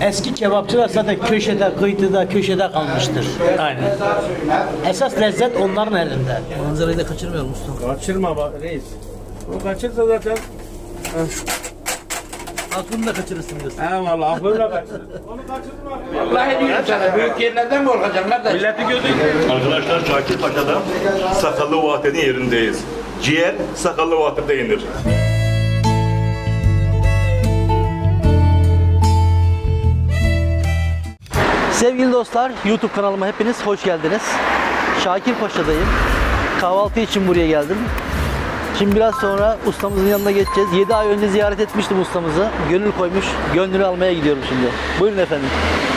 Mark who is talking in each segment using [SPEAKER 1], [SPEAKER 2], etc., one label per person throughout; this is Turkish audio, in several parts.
[SPEAKER 1] Eski kebapçılar zaten köşede, kıyıda, köşede kalmıştır.
[SPEAKER 2] Aynen.
[SPEAKER 1] Esas lezzet onların elinde.
[SPEAKER 2] Manzarayı da kaçırmayalım usta.
[SPEAKER 3] Kaçırma bak reis. O kaçırsa zaten.
[SPEAKER 2] Aklını da kaçırırsın diyorsun.
[SPEAKER 3] Eyvallah aklımla kaçırır. Onu kaçırma.
[SPEAKER 4] Vallahi diyorum sana büyük yerlerden mi korkacaksın kardeş?
[SPEAKER 3] Milleti gözü.
[SPEAKER 5] Arkadaşlar Şakir Paşa'da Sakallı Vahdet'in yerindeyiz. Ciğer Sakallı Vahdet'te yenir.
[SPEAKER 2] Sevgili dostlar, YouTube kanalıma hepiniz hoş geldiniz. Şakir Paşa'dayım. Kahvaltı için buraya geldim. Şimdi biraz sonra ustamızın yanına geçeceğiz. 7 ay önce ziyaret etmiştim ustamızı. Gönül koymuş. Gönlünü almaya gidiyorum şimdi. Buyurun efendim.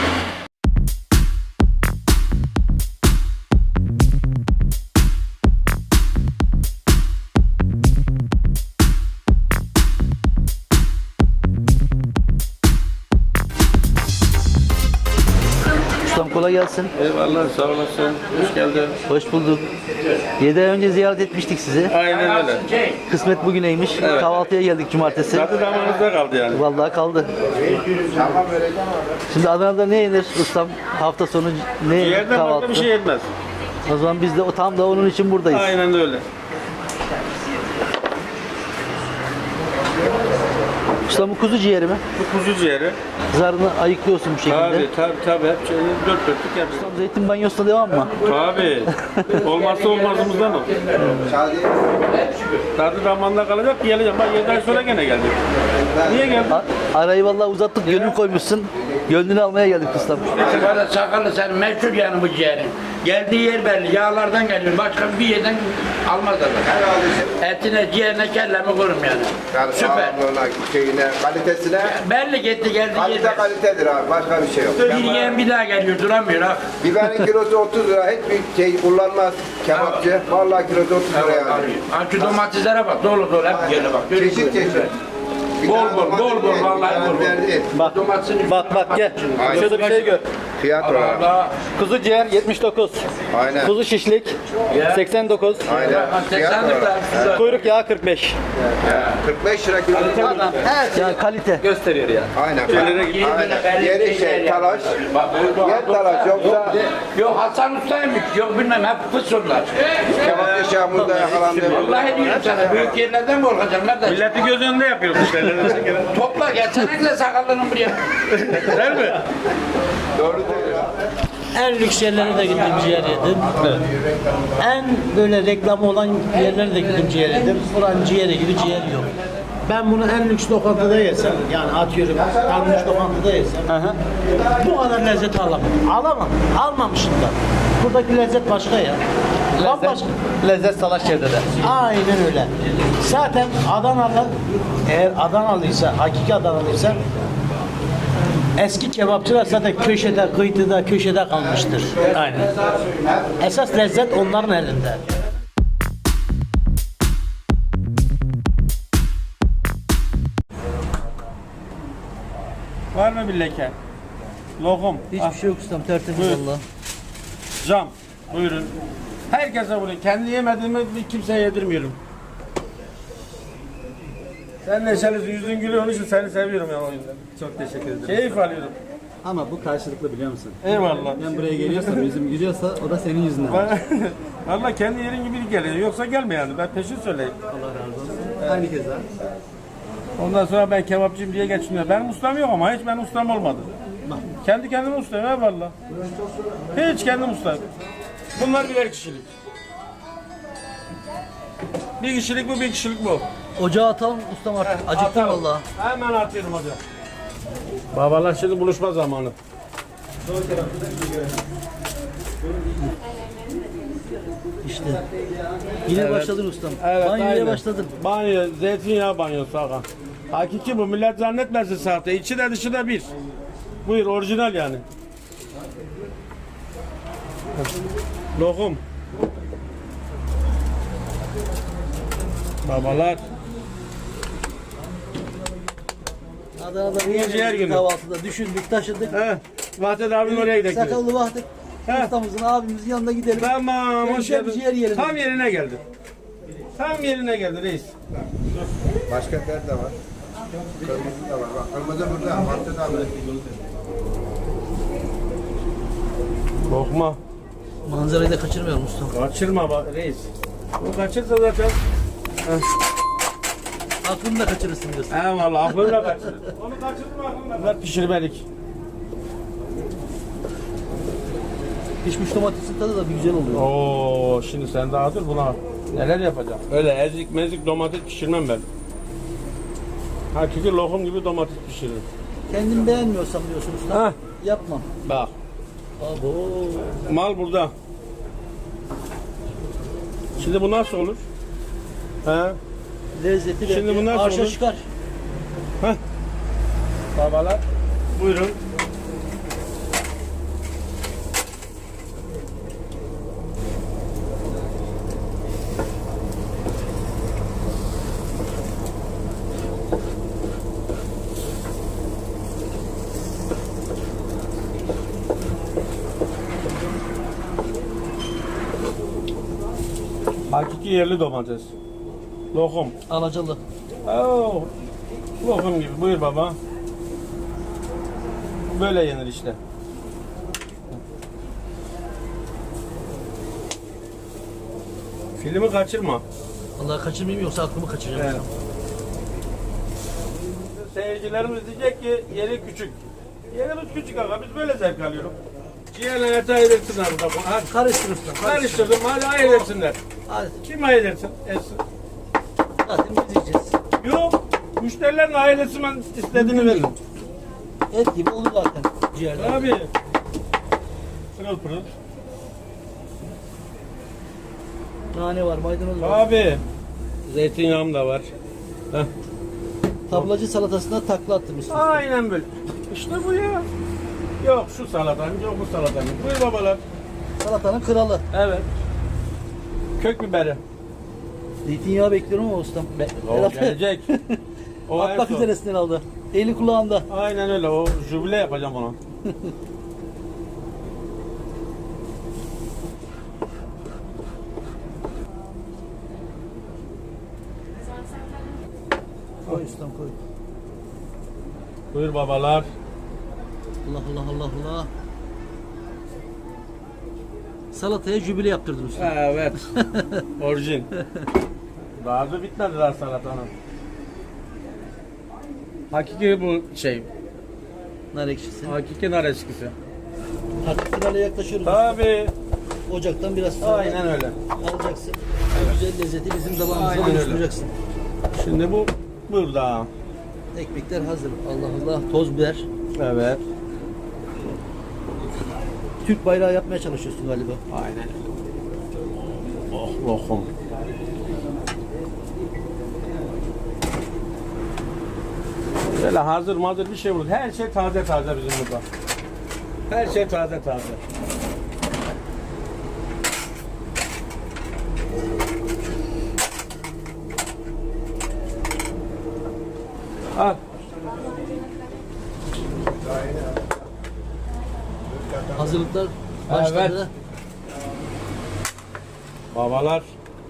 [SPEAKER 2] Ustam kolay gelsin.
[SPEAKER 3] Eyvallah sağ olasın. Hoş geldin.
[SPEAKER 2] Hoş bulduk. 7 ay önce ziyaret etmiştik sizi.
[SPEAKER 3] Aynen öyle.
[SPEAKER 2] Kısmet bugüneymiş. Kahvaltıya geldik cumartesi.
[SPEAKER 3] Tadı damağınızda kaldı yani.
[SPEAKER 2] Vallahi kaldı. Şimdi Adana'da ne yenir ustam? Hafta sonu ne
[SPEAKER 3] Yerden
[SPEAKER 2] kahvaltı?
[SPEAKER 3] başka bir şey yetmez.
[SPEAKER 2] O zaman biz de tam da onun için buradayız.
[SPEAKER 3] Aynen öyle.
[SPEAKER 2] Ustam bu kuzu ciğeri mi?
[SPEAKER 3] Bu kuzu ciğeri.
[SPEAKER 2] Zarını ayıklıyorsun bu şekilde.
[SPEAKER 3] Tabii. Hep şeyini dört dörtlük yapacağız.
[SPEAKER 2] Ustam zeytin banyosuna devam mı?
[SPEAKER 3] Tabii. Olmazsa olmazımızdan o. Tadı damağında kalacak. Geleceğim. Bak 7 ay sonra gene geldi. Niye geldin?
[SPEAKER 2] Arayı vallahi uzattık, gönül koymuşsun. Gönlünü almaya geldik ustam.
[SPEAKER 4] Sigara sakallı sen meşhur yani bu ciğerin. Geldiği yer belli. Yağlardan geliyor. Başka bir yerden almazlar. Etine, ciğerine, kelleme korum yani.
[SPEAKER 6] Yani
[SPEAKER 4] Süper.
[SPEAKER 6] sağlığına, şeyine, kalitesine
[SPEAKER 4] Belli gitti geldi
[SPEAKER 6] kalite
[SPEAKER 4] yer.
[SPEAKER 6] kalitedir abi. Başka bir şey yok.
[SPEAKER 4] Bir yiyen bir daha geliyor duramıyor ha.
[SPEAKER 6] Biberin kilosu 30 lira. Hiçbir şey kullanmaz kebapçı. Vallahi kilosu 30 lira yani.
[SPEAKER 4] Ha şu domateslere bak dolu dolu hep geliyor bak.
[SPEAKER 6] Çeşit çeşit. Bir
[SPEAKER 4] Bol
[SPEAKER 6] tane
[SPEAKER 4] bol,
[SPEAKER 6] domates
[SPEAKER 4] bol bol,
[SPEAKER 6] değil,
[SPEAKER 4] vallahi
[SPEAKER 6] bir tane
[SPEAKER 4] bol bol.
[SPEAKER 6] biber değil.
[SPEAKER 2] Bak
[SPEAKER 4] Domatesin
[SPEAKER 2] bak gel.
[SPEAKER 6] Aynen.
[SPEAKER 2] Şurada bir şey gör.
[SPEAKER 6] Fiyat olarak.
[SPEAKER 4] Allah.
[SPEAKER 2] Kuzu ciğer 79.
[SPEAKER 6] Aynen.
[SPEAKER 2] Kuzu şişlik 89.
[SPEAKER 6] Aynen. Fiyat olarak.
[SPEAKER 2] Kuyruk yağı 45.
[SPEAKER 6] 45 lira kilo.
[SPEAKER 2] Adam her şey kalite.
[SPEAKER 3] Gösteriyor ya.
[SPEAKER 6] Aynen. Aynen. Yeri şey, talaş. Yer talaş yoksa
[SPEAKER 4] Yok Hasan Usta'ymış, yok bilmem hep fısırlar.
[SPEAKER 6] kebapçı Şahmur'da yakalandı.
[SPEAKER 4] Vallahi diyorum sana büyük yerlerden mi korkacaksın kardeş?
[SPEAKER 3] Milleti göz önünde yapıyoruz işte.
[SPEAKER 4] Topla gelsene de sakallının buraya.
[SPEAKER 3] Değil mi?
[SPEAKER 6] Doğru diyor ya.
[SPEAKER 1] En lüks yerlere de gittim ciğer yedim. En böyle reklamı olan yerlere de gittim ciğer yedim. Buranın ciğeri gibi ciğer yok. Ben bunu en lüks lokantada yesem, yani atıyorum kalmış lokantada yesem, bu kadar lezzet alamam. Alamam, almamışım da. Buradaki lezzet başka ya. Bambaşka.
[SPEAKER 2] Lezzet salaş çevrede.
[SPEAKER 1] Aynen öyle. Zaten Adanalı, eğer Adanalıysa, hakiki Adanalıysa, eski kebapçılar zaten köşede, kıyıda, köşede kalmıştır.
[SPEAKER 2] Aynen.
[SPEAKER 1] Esas lezzet onların elinde.
[SPEAKER 3] Var mı bir leke? Lokum.
[SPEAKER 2] Hiçbir şey yok ustam, tertemiz
[SPEAKER 3] Buyur.
[SPEAKER 2] valla.
[SPEAKER 3] Cam. Buyurun. Herkese bunu. Kendi yemediğimi bir kimseye yedirmiyorum. Sen neşelisin, yüzün gülüyor. Onun için seni seviyorum ya o yüzden.
[SPEAKER 7] Çok teşekkür ederim.
[SPEAKER 3] Keyif alıyorum.
[SPEAKER 7] Ama bu karşılıklı biliyor musun?
[SPEAKER 3] Eyvallah.
[SPEAKER 7] Ben buraya geliyorsam, yüzüm gülüyorsa o da senin yüzünden.
[SPEAKER 3] Valla kendi yerin gibi geliyor. Yoksa gelme yani. Ben peşin söyleyeyim.
[SPEAKER 7] Allah razı olsun. Aynı keza.
[SPEAKER 3] Ondan sonra ben kebapçıyım diye geçiniyor. Benim ustam yok ama hiç benim ustam olmadı. Kendi kendime ustayım eyvallah. Hiç kendim ustayım. Bunlar birer kişilik. Bir kişilik bu, bir kişilik bu.
[SPEAKER 2] Ocağa atalım ustam artık. Acıktım
[SPEAKER 3] Atalım.
[SPEAKER 2] valla.
[SPEAKER 3] Hemen atıyorum hocam. Babalar şimdi buluşma zamanı.
[SPEAKER 2] İşte. Yine başladın ustam.
[SPEAKER 3] Evet,
[SPEAKER 2] Banyoya
[SPEAKER 3] aynen.
[SPEAKER 2] başladın.
[SPEAKER 3] Banyo, zeytinyağı banyosu ağam. Hakiki bu, millet zannetmesin sahte. İçi de dışı da bir. Buyur, orijinal yani. Lokum. Babalar.
[SPEAKER 2] Adana'da
[SPEAKER 3] Bugün ciğer
[SPEAKER 2] bir
[SPEAKER 3] günü.
[SPEAKER 2] kahvaltıda düşündük, taşıdık.
[SPEAKER 3] He, Vahdet abim oraya gidelim.
[SPEAKER 2] Sakallı Vahdet
[SPEAKER 3] He.
[SPEAKER 2] ustamızın, abimizin yanına gidelim.
[SPEAKER 3] Tamam,
[SPEAKER 2] Şöyle
[SPEAKER 3] hoş
[SPEAKER 2] güzel bir
[SPEAKER 3] geldin.
[SPEAKER 2] ciğer yiyelim.
[SPEAKER 3] Tam yerine geldi. Tam yerine geldi reis.
[SPEAKER 6] Başka nerede var? Kırmızı da var. Bak kırmızı burada. Mantı da var.
[SPEAKER 3] Lokma.
[SPEAKER 2] Manzarayı da kaçırmıyorum ustam.
[SPEAKER 3] Kaçırma bak reis. Bu kaçırsa zaten.
[SPEAKER 2] Aklını da kaçırırsın diyorsun.
[SPEAKER 3] Eyvallah aklımla kaçırır. Onu kaçırdım aklımla. Bunlar pişirmelik.
[SPEAKER 2] Pişmiş domatesin tadı da bir güzel oluyor.
[SPEAKER 3] Oo, şimdi sen daha dur buna neler yapacağım. Öyle ezik mezik domates pişirmem ben. Hakiki lokum gibi domates pişiririm.
[SPEAKER 2] Kendim beğenmiyorsam diyorsun usta.
[SPEAKER 3] Heh.
[SPEAKER 2] Yapmam.
[SPEAKER 3] Bak
[SPEAKER 2] Abo.
[SPEAKER 3] mal burada. Şimdi bu nasıl olur? He?
[SPEAKER 2] Lezzeti
[SPEAKER 3] Şimdi
[SPEAKER 2] belki
[SPEAKER 3] bunlar
[SPEAKER 2] arşa
[SPEAKER 3] olur.
[SPEAKER 2] çıkar.
[SPEAKER 3] Heh. Babalar buyurun. Hakiki yerli domates. Lokum.
[SPEAKER 2] Alacalı.
[SPEAKER 3] Oo, lokum gibi. Buyur baba. Böyle yenir işte. Filmi kaçırma.
[SPEAKER 2] Vallahi kaçırmayayım yoksa aklımı kaçıracağım.
[SPEAKER 3] Evet. Seyircilerimiz diyecek ki yeri küçük. Yerimiz küçük aga biz böyle zevk alıyoruz. Ciğerle eti ayırt etsinler burada. Hadi
[SPEAKER 2] Karıştır usta.
[SPEAKER 3] karıştırdım hadi ayırt etsinler.
[SPEAKER 2] Hadi.
[SPEAKER 3] Kim ayırt etsin? Etsin.
[SPEAKER 2] Zaten biz yiyeceğiz.
[SPEAKER 3] Yok. Müşterilerin ayırt etsin ben istediğini veririm.
[SPEAKER 2] Et gibi olur zaten ciğerler.
[SPEAKER 3] Abi. Pırıl pırıl.
[SPEAKER 2] Nane var, maydanoz var.
[SPEAKER 3] Abi. Zeytinyağım da var. Heh.
[SPEAKER 2] Tablacı salatasına takla attım usta.
[SPEAKER 3] Aynen böyle. İşte bu ya. Yok şu salatanın, yok bu salatanın. Buyur babalar.
[SPEAKER 2] Salatanın kralı.
[SPEAKER 3] Evet. Kök biberi.
[SPEAKER 2] Zeytinyağı bekliyorum ama ustam.
[SPEAKER 3] O gelecek. O en
[SPEAKER 2] Atmak
[SPEAKER 3] son.
[SPEAKER 2] üzeresinden aldı. Eli kulağında.
[SPEAKER 3] Aynen öyle. O jübile yapacağım ona.
[SPEAKER 2] Koy ustam koy.
[SPEAKER 3] Buyur babalar.
[SPEAKER 2] Allah Allah Allah Allah. Salataya jübile yaptırdın usta.
[SPEAKER 3] Evet. Orijin. Daha da bitmedi daha salatanın. Hakiki bu şey.
[SPEAKER 2] Nar ekşisi.
[SPEAKER 3] Hakiki nar eşkisi.
[SPEAKER 2] Artık finale yaklaşıyoruz.
[SPEAKER 3] Tabii.
[SPEAKER 2] Ocaktan biraz sonra
[SPEAKER 3] Aynen öyle.
[SPEAKER 2] alacaksın. O güzel lezzeti bizim damağımıza
[SPEAKER 3] Aynen öyle.
[SPEAKER 2] buluşturacaksın.
[SPEAKER 3] Şimdi bu burada.
[SPEAKER 2] Ekmekler hazır. Allah Allah. Toz biber.
[SPEAKER 3] Evet.
[SPEAKER 2] Türk bayrağı yapmaya çalışıyorsun galiba.
[SPEAKER 3] Aynen öyle. Oh lokum. Böyle hazır bir şey olur. Her şey taze bizim burada. Her şey taze. Al.
[SPEAKER 2] Hazırlıklar başladı.
[SPEAKER 3] Evet. Babalar.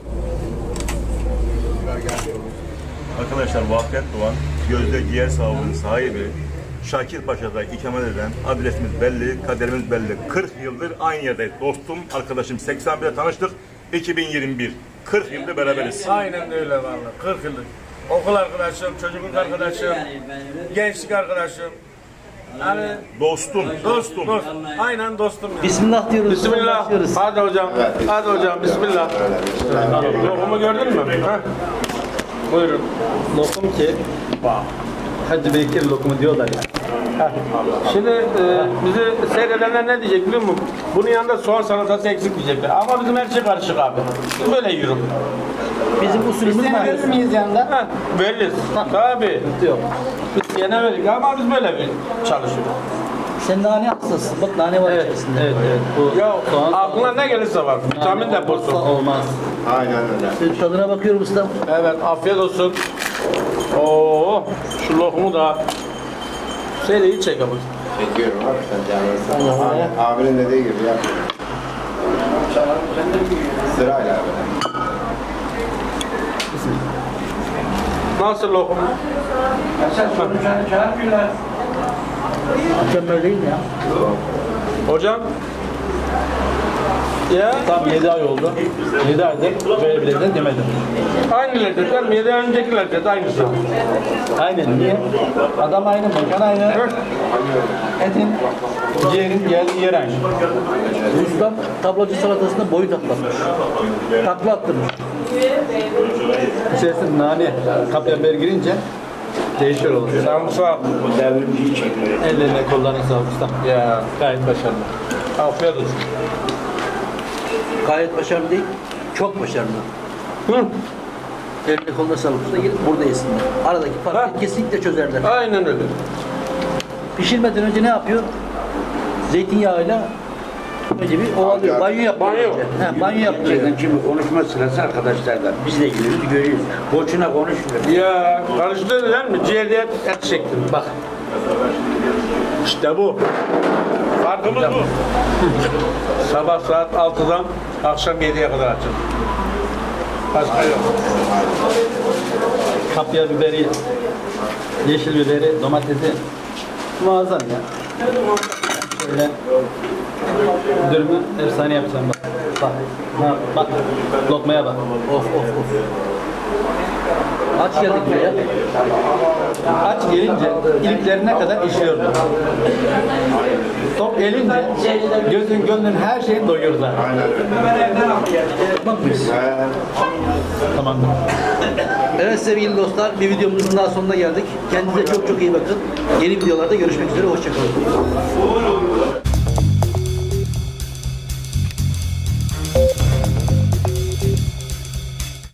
[SPEAKER 5] Arkadaşlar Vahdet Doğan, Gözde Ciğer Sağlığı'nın sahibi, Şakir Paşa'da ikamet eden adresimiz belli, kaderimiz belli. 40 yıldır aynı yerdeyiz. Dostum, arkadaşım 81'de tanıştık, 2021. 40 yıldır beraberiz.
[SPEAKER 3] Aynen öyle vallahi. 40 yıllık. Okul arkadaşım, çocukluk arkadaşım, gençlik arkadaşım. Yani
[SPEAKER 5] Dostum.
[SPEAKER 3] dost. Aynen dostum yani.
[SPEAKER 2] Bismillah diyoruz.
[SPEAKER 3] Bismillah.
[SPEAKER 2] Başlıyoruz.
[SPEAKER 3] Hadi hocam. Hadi hocam. Bismillah. Lokumu gördün mü? Heh. Buyurun.
[SPEAKER 7] Lokum ki, Hacı Bekir lokumu diyorlar ya.
[SPEAKER 3] Şimdi bizi seyredenler ne diyecek biliyor musun? Bunun yanında soğan salatası eksik diyecekler. Ama bizim her şey karışık abi. Biz böyle yiyorum.
[SPEAKER 2] Bizim usulümüz var.
[SPEAKER 7] Verir miyiz yanında?
[SPEAKER 3] Ha, veririz. Tabii.
[SPEAKER 2] Yok.
[SPEAKER 3] Biz gene veririz ama biz böyle bir çalışıyoruz.
[SPEAKER 2] Sen nane hastasın. Bak nane var içerisinde.
[SPEAKER 7] Evet. Bu
[SPEAKER 3] Ya
[SPEAKER 7] soğan
[SPEAKER 3] aklına ne gelirse var. Vitamin
[SPEAKER 7] olmazsa
[SPEAKER 3] deposu.
[SPEAKER 7] olmaz.
[SPEAKER 6] Aynen öyle.
[SPEAKER 2] Senin tadına bakıyorum ustam.
[SPEAKER 3] Evet, afiyet olsun. Oo, şu lokumu da seriyi çek abi.
[SPEAKER 6] Çekiyorum abi sen canlısın. Abinin dediği gibi yap. Sırayla abi.
[SPEAKER 3] Nasıl lokum?
[SPEAKER 4] Esas konuşanı çağırmıyorlar.
[SPEAKER 1] Mükemmel değil mi ya?
[SPEAKER 3] Hocam. Ya.
[SPEAKER 2] Tam 7 ay oldu. 7 aydır böyle bir lezzet yemedim.
[SPEAKER 3] Aynı lezzet. 7 ay önceki lezzet aynısı.
[SPEAKER 2] Aynen. Niye? Adam aynı, mekan aynı. Etin, ciğerin geldiği yer aynı. Ustam tablacı salatasında boyu taklatmış. Takla attırmış. İçerisinde nane, kapya biber girince değişiyor olur.
[SPEAKER 3] Sarımsak.
[SPEAKER 2] Ellerine kollarına sağlık ustam.
[SPEAKER 3] Ya.
[SPEAKER 2] Gayet başarılı.
[SPEAKER 3] Afiyet olsun.
[SPEAKER 2] Gayet başarılı değil, çok başarılı.
[SPEAKER 3] Hı.
[SPEAKER 2] Eline koluna sağlık usta, gelip burada yesinler. Aradaki farkı kesinlikle çözerler.
[SPEAKER 3] Aynen öyle.
[SPEAKER 2] Pişirmeden önce ne yapıyor? Zeytinyağıyla önce bir ovalıyor, banyo yapıyor.
[SPEAKER 3] Banyo.
[SPEAKER 2] önce. He, banyo yapıyor.
[SPEAKER 4] Şeyden şimdi konuşma sırası arkadaşlardan. Biz de geliyoruz, görüyoruz. Boşuna konuşmuyor.
[SPEAKER 3] Ya karıştırdın değil mi? Ciğerde et çektim. Bak. İşte bu. Farkımız bu. Sabah saat 6'dan akşam 7'ye kadar açın. Başka yok.
[SPEAKER 2] Kapya biberi, yeşil biberi, domatesi muazzam ya. Şöyle dürümü efsane yapacağım bak. Bak, bak, lokmaya bak. Of of of. Aç geldik buraya. Aç gelince iliklerine kadar işliyordu. Tok gelince gözün gönlün her şeyi doyurdular. Bak biz. Tamam. Evet sevgili dostlar, bir videomuzun daha sonuna geldik. Kendinize çok çok iyi bakın. Yeni videolarda görüşmek üzere, hoşça kalın.